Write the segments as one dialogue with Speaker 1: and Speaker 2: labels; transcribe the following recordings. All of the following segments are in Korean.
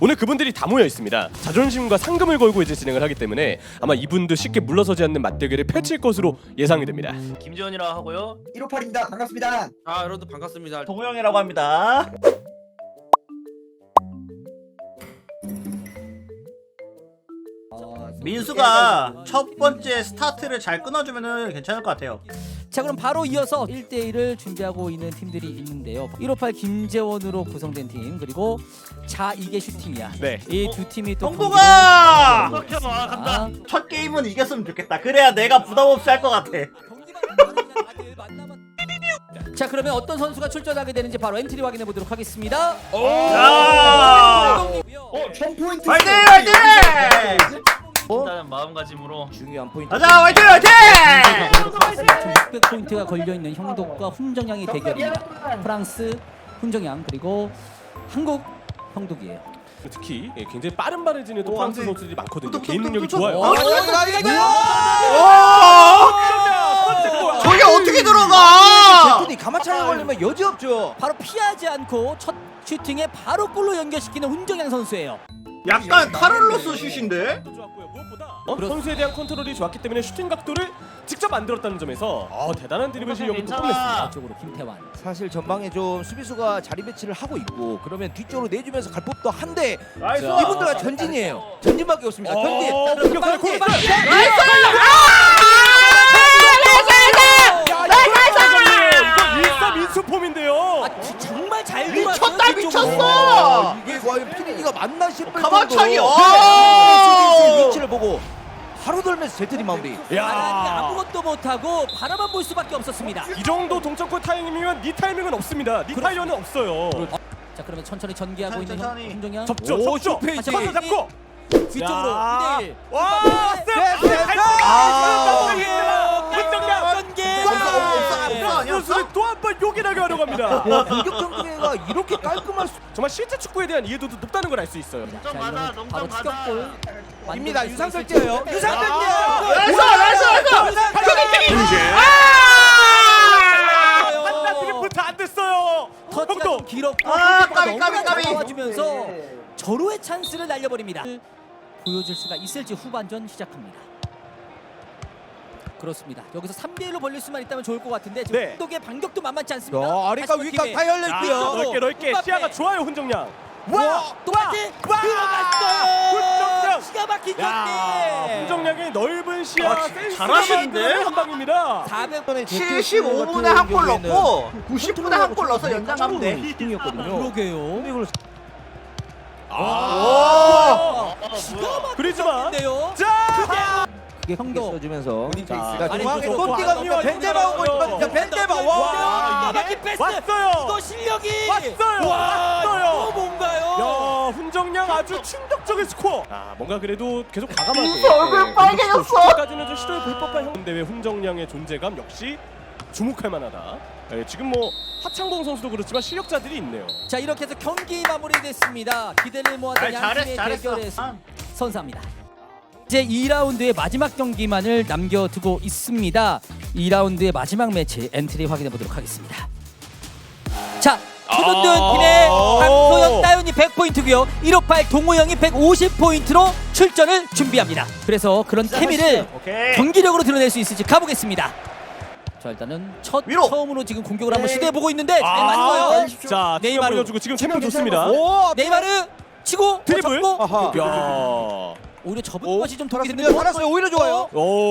Speaker 1: 오늘 그분들이 다 모여 있습니다. 자존심과 상금을 걸고 이제 진행을 하기 때문에 아마 이분도 쉽게 물러서지 않는 맞대결을 펼칠 것으로 예상이 됩니다.
Speaker 2: 김재현이라고 하고요.
Speaker 3: 158입니다. 반갑습니다.
Speaker 4: 여러분들 반갑습니다.
Speaker 5: 동호형이라고 합니다. 민수가 첫 번째 스타트를 잘 끊어주면은 괜찮을 것 같아요.
Speaker 6: 자, 그럼 바로 이어서 1대1을 준비하고 있는 팀들이 있는데요. 158 김재원으로 구성된 팀, 그리고 자 이게 슈팅이야.
Speaker 1: 네.
Speaker 6: 이 두 팀이 또
Speaker 5: 동동아!
Speaker 2: 형 간다.
Speaker 5: 첫 게임은 이겼으면 좋겠다. 그래야 내가 부담 없이 할 것 같아.
Speaker 6: 자, 그러면 어떤 선수가 출전하게 되는지 바로 엔트리 확인해 보도록 하겠습니다.
Speaker 5: 자!
Speaker 3: 1000포인트.
Speaker 5: 화이팅! 화이팅!
Speaker 2: 일단은 마음가짐으로
Speaker 3: 중요한 포인트.
Speaker 5: 가자! 화이팅! 화이팅!
Speaker 6: 600포인트가 걸려있는 형독과 훈정양의 대결입니다. 프랑스 훈정양, 그리고 한국 형독이에요.
Speaker 1: 특히 굉장히 빠르지는 또 프랑스 선수들이 많거든요.
Speaker 5: 뚝뚝뚝뚝
Speaker 1: 개인 능력이
Speaker 5: 뚝뚝.
Speaker 1: 좋아요.
Speaker 5: 저게 어떻게 들어가?
Speaker 3: 제트니 가마차에 걸리면 여지 없죠.
Speaker 6: 바로 피하지 않고 첫 슈팅에 바로 골로 연결시키는 훈정양 선수예요.
Speaker 5: 약간 카를로스 슛인데?
Speaker 1: 좋았고요. 무엇보다 선수에 대한 컨트롤이 좋았기 때문에 슈팅 각도를 직접 만들었다는 점에서 대단한 드리블 실력을 또 뽐냈습니다.
Speaker 6: 쪽으로 김태환.
Speaker 3: 사실 전방에 좀 수비수가 자리 배치를 하고 있고 그러면 뒤쪽으로 내주면서 갈 법도 한데
Speaker 5: 나이스!
Speaker 3: 이분들은 전진이에요. 전진밖에 없습니다. 전진.
Speaker 1: 공격하는 골! 이거 일사민수폼인데요.
Speaker 6: 정말 잘
Speaker 5: 미쳤다,
Speaker 6: 돌았어요,
Speaker 5: 미쳤어!
Speaker 3: 이게 과연 피디니가 맞나 싶을
Speaker 5: 가마차기!
Speaker 3: 정도 위치를 보고 바로 돌면서 제트니 마무리.
Speaker 6: 바람이 아무것도 못하고 바라만 볼 수밖에 없었습니다.
Speaker 1: 이 정도 동점골 타이밍이면 니 타이밍은 없습니다. 니 타이어는 없어요.
Speaker 6: 자, 그러면 천천히 전개하고 있는
Speaker 5: 천천히.
Speaker 6: 훈정양.
Speaker 1: 접죠,
Speaker 3: 오,
Speaker 1: 접죠.
Speaker 3: 슈페이지.
Speaker 1: 하나 잡고.
Speaker 6: 뒤쪽으로
Speaker 1: 자.
Speaker 6: 2대1.
Speaker 1: 와, 선수를 또 한 번 요긴하게 하려고 합니다.
Speaker 3: 공격 전개가 이렇게 깔끔할 수.
Speaker 1: 정말 실제 축구에 대한 이해도도 높다는 걸 알 수 있어요.
Speaker 6: 자, 이거는 바로 추격골.
Speaker 3: 입니다. 유상철 뛰어요. 유상철
Speaker 5: 나이스!
Speaker 3: 뛰어요.
Speaker 5: 나이스!
Speaker 1: 한나 드리프트 안 됐어요.
Speaker 6: 터치가 좀 길었고
Speaker 5: 까비, 까비, 까비.
Speaker 6: 나와주면서 절호의 찬스를 날려버립니다. 보여줄 수가 있을지 후반전 시작합니다. 그렇습니다. 여기서 3대1로 벌릴 수만 있다면 좋을 것 같은데 지금
Speaker 1: 네.
Speaker 6: 한독의 반격도 만만치 않습니다.
Speaker 3: 아래가 위가 다 열려 있고요.
Speaker 1: 넓게 시야가 좋아요, 훈정양.
Speaker 6: 똑같이 들어갔어요.
Speaker 1: 훈정양.
Speaker 6: 기가 막힌
Speaker 1: 야,
Speaker 6: 경기.
Speaker 1: 훈정양의 넓은 시야 센스
Speaker 5: 잘하시는데?
Speaker 1: 한 방입니다.
Speaker 6: 400번에
Speaker 5: 75분에 한 골 넣고 90분에 한 골 넣어서 연장하면 돼.
Speaker 3: 팀이었거든요.
Speaker 6: 그러게요. 기가
Speaker 1: 그리지만
Speaker 6: 막힌데요.
Speaker 1: 자,
Speaker 3: 그게
Speaker 6: 형도.
Speaker 3: 써주면서
Speaker 1: 자,
Speaker 3: 중앙에
Speaker 1: 아니,
Speaker 3: 또띠가
Speaker 1: 아니요,
Speaker 3: 벤제마 오고 있거든요. 벤제마
Speaker 6: 기가
Speaker 3: 와.
Speaker 6: 막힌 패스.
Speaker 1: 왔어요.
Speaker 6: 이거 실력이
Speaker 1: 왔어요.
Speaker 6: 와,
Speaker 1: 왔어요.
Speaker 6: 이거 뭔가요?
Speaker 1: 야, 훈정양 아주 충격적인 스코어. 뭔가 그래도 계속 과감하게.
Speaker 5: 얼굴 빨개졌어.
Speaker 1: 까지는 좀 시도해 볼 법한 형. 대회 훈정양의 존재감 역시 주목할 만하다. 지금 뭐 하창봉 선수도 그렇지만 실력자들이 있네요.
Speaker 6: 자, 이렇게 해서 경기 마무리됐습니다. 기대를 모았던 양 팀의 대결에서 선사합니다. 이제 2라운드의 마지막 경기만을 남겨두고 있습니다. 2라운드의 마지막 매치 엔트리 확인해 보도록 하겠습니다. 자, 초등든 팀의 강소영, 따윤이 100포인트고요. 158 동호영이 150포인트로 출전을 준비합니다. 그래서 그런 케미를
Speaker 5: 오케이.
Speaker 6: 경기력으로 드러낼 수 있을지 가보겠습니다. 자, 일단은
Speaker 5: 위로.
Speaker 6: 처음으로 지금 공격을 한번 시도해보고 있는데 잘 맞고요.
Speaker 1: 자,
Speaker 6: 네이마르.
Speaker 1: 올려주고 지금 템포 좋습니다.
Speaker 3: 오,
Speaker 6: 네이마르 치고
Speaker 1: 드리블.
Speaker 6: 잡고
Speaker 3: 아하.
Speaker 1: 야.
Speaker 6: 오히려 접은 것이 좀 독이
Speaker 3: 살았습니다.
Speaker 6: 됐는데
Speaker 3: 살았어요. 오히려 좋아요.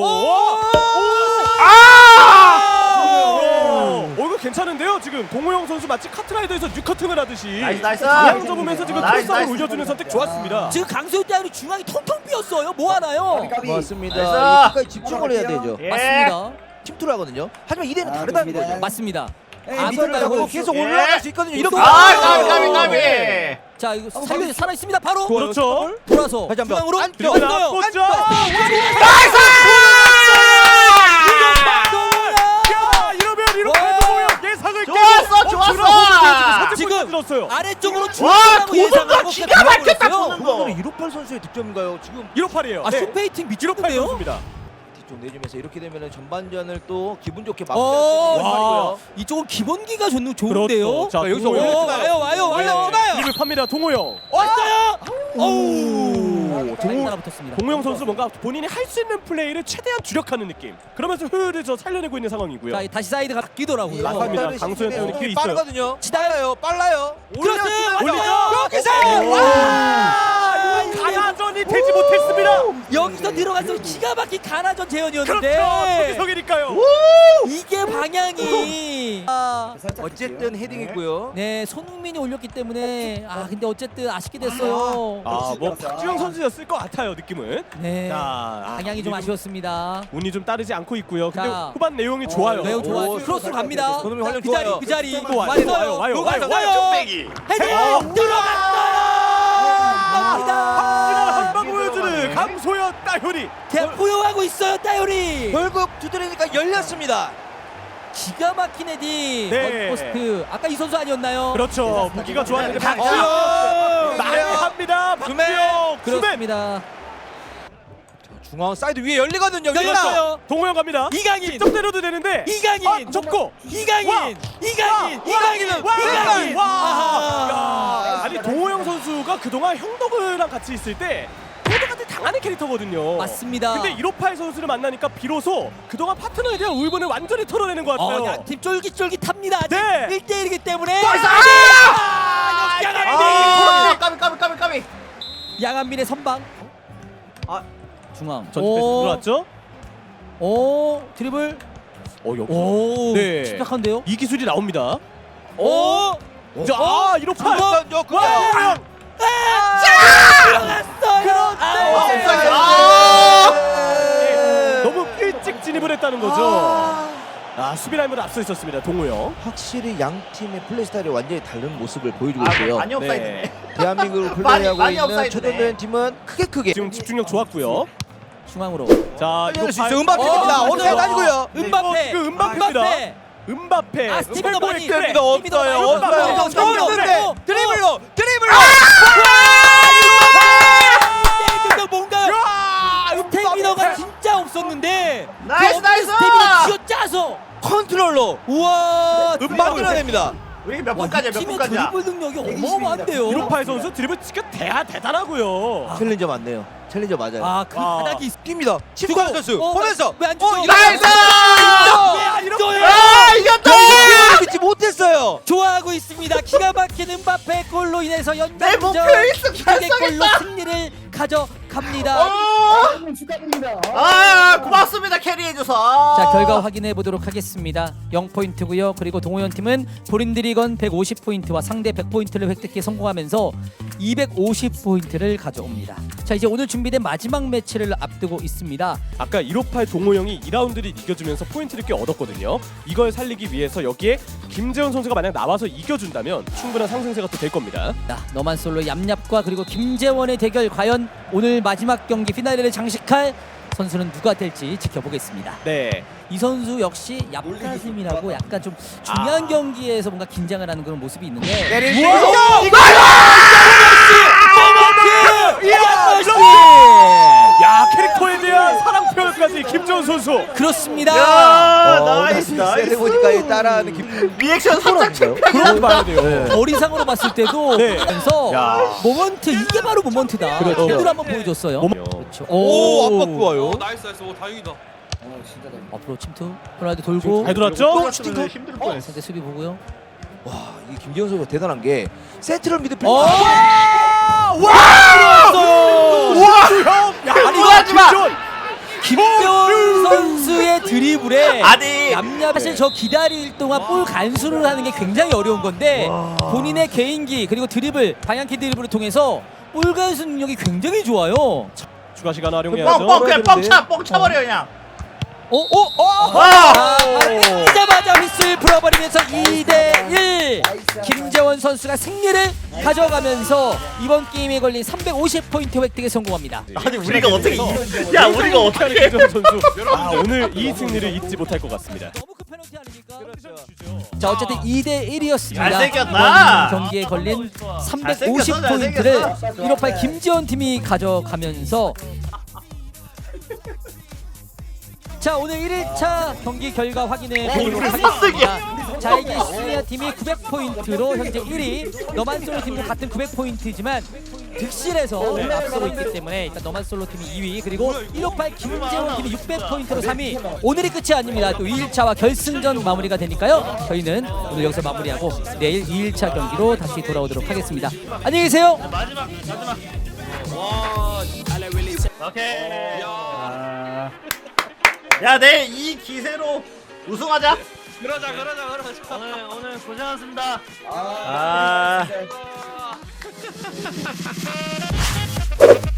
Speaker 1: 이거 괜찮은데요? 지금 동호영 선수 마치 카트라이더에서 뉴커팅을 하듯이
Speaker 5: 나이스, 나이스.
Speaker 1: 방향 접으면서 지금
Speaker 5: 나이스,
Speaker 1: 크로스를
Speaker 5: 나이스.
Speaker 1: 올려주는 선택 좋았습니다.
Speaker 6: 지금 강소연 따위로 중앙이 텅텅 비었어요. 뭐 하나요?
Speaker 3: 맞습니다.
Speaker 5: 나이스.
Speaker 3: 끝까지 집중을 해야 되죠.
Speaker 5: 예.
Speaker 6: 맞습니다.
Speaker 3: 팀투를 하거든요. 하지만 이대는 다르다는 거죠.
Speaker 6: 맞습니다.
Speaker 3: 앞을 잡고 계속
Speaker 5: 예.
Speaker 3: 올라갈 수 있거든요. 이렇게.
Speaker 5: 까비.
Speaker 6: 자, 이거 살려 살아 있습니다. 바로
Speaker 1: 그렇죠.
Speaker 6: 돌아서
Speaker 3: 다시 한번.
Speaker 6: 중앙으로
Speaker 3: 안쪽.
Speaker 6: 들어갔어요.
Speaker 1: 꽂죠. 야, 이러면 이렇게 동호영 예상을
Speaker 5: 좋았어.
Speaker 6: 지금
Speaker 1: 들었어요.
Speaker 6: 아래쪽으로
Speaker 5: 와,
Speaker 6: 중앙으로 예상하고
Speaker 5: 도전도 기가 막혔다,
Speaker 6: 들어갔어요.
Speaker 5: 도전도.
Speaker 3: 오늘 158 선수의 득점인가요? 지금
Speaker 1: 158이에요.
Speaker 6: 아, 슈페이팅 미치겠는데요?
Speaker 1: 선수입니다.
Speaker 3: 뒤쪽 내주면서 이렇게 되면 전반전을 또 기분 좋게
Speaker 6: 어,
Speaker 3: 마무리할 수 있는
Speaker 6: 와, 이쪽은 기본기가 좋은데요.
Speaker 1: 그렇죠. 자,
Speaker 6: 여기서
Speaker 1: 동호영.
Speaker 6: 와요.
Speaker 1: 드립을 팝니다. 동호영.
Speaker 6: 왔어요.
Speaker 1: 오,
Speaker 6: 따라붙었습니다.
Speaker 1: 동호영 선수 뭔가 본인이 할 수 있는 플레이를 최대한 주력하는 느낌. 그러면서 효율을 저 살려내고 있는 상황이고요.
Speaker 6: 자, 다시 사이드가 바뀌더라고요.
Speaker 1: 맞습니다. 강소연 때문에 길이 있어요.
Speaker 3: 빠르거든요. 빨라요.
Speaker 6: 크로스 올리죠.
Speaker 3: 여기서
Speaker 1: 가야전이 되지 못했습니다.
Speaker 6: 여기서 들어가서 기가 막힌 가나전 재현이었는데
Speaker 1: 그렇죠. 저기서기니까요.
Speaker 6: 이게 방향이
Speaker 3: 어쨌든 헤딩했고요.
Speaker 6: 네, 손흥민이 올렸기 때문에 근데 어쨌든 아쉽게 됐어요.
Speaker 1: 뭐 박주영 선수였을 것 같아요, 느낌은.
Speaker 6: 네,
Speaker 1: 자,
Speaker 6: 방향이 좀 아쉬웠습니다.
Speaker 1: 운이 좀 따르지 않고 있고요. 근데
Speaker 6: 자.
Speaker 1: 후반 내용이 좋아요.
Speaker 6: 매우 좋아요. 크로스로 갑니다.
Speaker 3: 손흥민 활약
Speaker 6: 그 자리
Speaker 3: 좋아요.
Speaker 6: 그 자리
Speaker 1: 또 와요. 와요.
Speaker 6: 헤딩 들어갔어요.
Speaker 1: 한방 보여주는 강소연 따효리.
Speaker 6: 대학 포용하고 있어요, 따요리.
Speaker 3: 결국 두드리니까 열렸습니다.
Speaker 6: 기가 막힌 헤딩.
Speaker 1: 네.
Speaker 6: 포스트. 아까 이 선수 아니었나요?
Speaker 1: 그렇죠. 무기가 좋았는데
Speaker 3: 박주영!
Speaker 1: 많이 합니다. 박주영. 수맨.
Speaker 6: 그렇습니다.
Speaker 3: 중앙 사이드 위에 열리거든요.
Speaker 6: 열렸어요.
Speaker 1: 동호영 갑니다.
Speaker 6: 이강인.
Speaker 1: 직접 때려도 되는데.
Speaker 6: 이강인.
Speaker 1: 접고.
Speaker 6: 이강인.
Speaker 1: 와.
Speaker 6: 이강인은 이강인.
Speaker 1: 와.
Speaker 6: 아하.
Speaker 1: 야, 아니 동호영 선수가 그동안 형덕이랑 같이 있을 때 형덕한테 당하는 캐릭터거든요.
Speaker 6: 맞습니다.
Speaker 1: 근데 158 선수를 만나니까 비로소 그동안 파트너에 대한 울분을 완전히 털어내는 것 같아요.
Speaker 6: 양팀 쫄깃쫄깃합니다. 아직
Speaker 1: 네.
Speaker 6: 1대1이기 때문에.
Speaker 5: 까비.
Speaker 6: 양한민의 선방. 중앙.
Speaker 1: 전진 패스 들어왔죠?
Speaker 6: 오, 드리블.
Speaker 1: 여기.
Speaker 6: 오,
Speaker 1: 네.
Speaker 6: 침착한데요?
Speaker 1: 이 기술이 나옵니다.
Speaker 6: 오,
Speaker 1: 자, 158.
Speaker 3: 와!
Speaker 6: 들어갔어요.
Speaker 1: 너무 일찍 진입을 했다는 거죠. 수비 라인보다 앞서 있었습니다. 동호영.
Speaker 3: 확실히 양 팀의 플레이 스타일이 완전히 다른 모습을 보여주고 있고요.
Speaker 5: 많이 업사이드네.
Speaker 3: 대한민국을 플레이하고
Speaker 5: 많이
Speaker 3: 있는
Speaker 5: 업사이드네.
Speaker 3: 초대된 팀은 크게
Speaker 1: 지금 집중력 좋았고요.
Speaker 6: 중앙으로.
Speaker 1: 자,
Speaker 3: 이럴 수 있어요. 음바페입니다. 오늘 아니고요.
Speaker 6: 음바페.
Speaker 1: 지금 음바페입니다. 음바페.
Speaker 6: 스티븐 어바니.
Speaker 1: 그래.
Speaker 3: 없어요. 드리블로.
Speaker 6: 뭔가 스태미너가 진짜 없었는데
Speaker 5: 나이스.
Speaker 6: 스태미너 쥐어짜서
Speaker 3: 컨트롤로
Speaker 6: 우와
Speaker 3: 만들어냅니다.
Speaker 5: 우리 몇
Speaker 6: 와,
Speaker 5: 분까지야?
Speaker 6: 이
Speaker 5: 몇
Speaker 6: 팀의
Speaker 5: 분까지야?
Speaker 6: 드리블 능력이 어마어마한데요.
Speaker 1: 158 선수 드리블 진짜 대단하고요.
Speaker 3: 챌린저 맞네요. 챌린저 맞아요.
Speaker 6: 그 바닥이
Speaker 3: 뜁니다. 침투하는 선수 보면서
Speaker 6: 왜안 주죠?
Speaker 5: 나이스! 이겼다!
Speaker 3: 믿지 못했어요.
Speaker 6: 좋아하고 있습니다. 기가 막힌 음바페 골로 인해서
Speaker 5: 내
Speaker 6: 연장전
Speaker 5: 목표 일승
Speaker 6: 기적의 골로
Speaker 5: 달성했다!
Speaker 6: 승리를 가져갑니다.
Speaker 5: 고맙습니다 캐리해줘서.
Speaker 6: 자, 결과 확인해 보도록 하겠습니다. 0포인트고요. 그리고 동호연 팀은 본인들이 건 150포인트와 상대 100포인트를 획득해 성공하면서 250포인트를 가져옵니다. 자, 이제 오늘 준비된 마지막 매치를 앞두고 있습니다.
Speaker 1: 아까 158 동호영이 2라운드를 이겨주면서 포인트를 꽤 얻었거든요. 이걸 살리기 위해서 여기에 김재원 선수가 만약 나와서 이겨준다면 충분한 상승세가 또 될 겁니다.
Speaker 6: 자, 너만 솔로 얌얌과 그리고 김재원의 대결, 과연 오늘 마지막 경기 피날레를 장식할 선수는 누가 될지 지켜보겠습니다.
Speaker 1: 네.
Speaker 6: 이 선수 역시 얍가슴이라고 약간 좀 중요한 경기에서 뭔가 긴장을 하는 그런 모습이 있는데
Speaker 1: 야, 캐릭터에 대한 사랑 표현까지 김재원 선수.
Speaker 6: 그렇습니다.
Speaker 5: 나이스.
Speaker 3: 세대 보니까 이 따라하는 김
Speaker 5: 리액션 살짝
Speaker 1: 그렇게 봐야 돼요.
Speaker 6: 거리상으로 봤을 때도
Speaker 1: 네.
Speaker 6: 보면서
Speaker 1: 야.
Speaker 6: 모먼트, 이게 바로 모먼트다.
Speaker 1: 그렇죠.
Speaker 6: 제대로 한번 보여줬어요.
Speaker 1: 그렇죠.
Speaker 3: 오 압박 좋아요.
Speaker 4: 나이스 오 다행이다.
Speaker 6: 앞으로 침투. 호날두 돌고
Speaker 1: 잘 돌았죠?
Speaker 5: 힘들 뻔했어.
Speaker 6: 상대 수비 보고요.
Speaker 3: 이 김재원 선수가 대단한 게 센트럴 미드필더.
Speaker 6: 김재원 선수의 드리블에
Speaker 5: 아니.
Speaker 6: 사실 저 기다릴 동안 볼 간수를 하는 게 굉장히 어려운 건데 본인의 개인기 그리고 드리블, 방향키 드리블을 통해서 볼 간수 능력이 굉장히 좋아요.
Speaker 1: 추가 시간 활용해야죠.
Speaker 5: 그냥 뻥 차버려 그냥.
Speaker 6: 뛰자마자 휘슬 풀어버리면서 2대1 김재원 선수가 승리를 가져가면서 이번 게임에 걸린 350포인트 획득에 성공합니다.
Speaker 5: 아니 우리가 어떻게 야 우리가 어떻게
Speaker 1: 김재원 선수. 오늘 이 승리를 잊지 못할 것 같습니다.
Speaker 6: 너무 큰 페널티 아닙니까? 자, 어쨌든 2대1이었습니다.
Speaker 5: 잘생겼다.
Speaker 6: 경기에 걸린
Speaker 5: 잘생겼어,
Speaker 6: 350포인트를 158 김재원 팀이 가져가면서 자, 오늘 1일차 경기 결과 확인해 보도록 하겠습니다. 자이기 시니어 팀이 900포인트로 현재 1위. 너만 솔로 팀도 같은 900포인트지만 득실에서 앞서고 있기 때문에 일단 너만 솔로 팀이 2위, 그리고 158 김재원 팀이 600포인트로 3위. 오늘이 끝이 아닙니다. 또 2일차와 결승전 마무리가 되니까요. 저희는 오늘 여기서 마무리하고 내일 2일차 경기로 다시 돌아오도록 하겠습니다. 안녕히 계세요.
Speaker 2: 마지막. 오케이.
Speaker 5: 야, 내일 이 기세로 우승하자.
Speaker 2: 그러자. 오늘 고생하셨습니다.
Speaker 5: 아.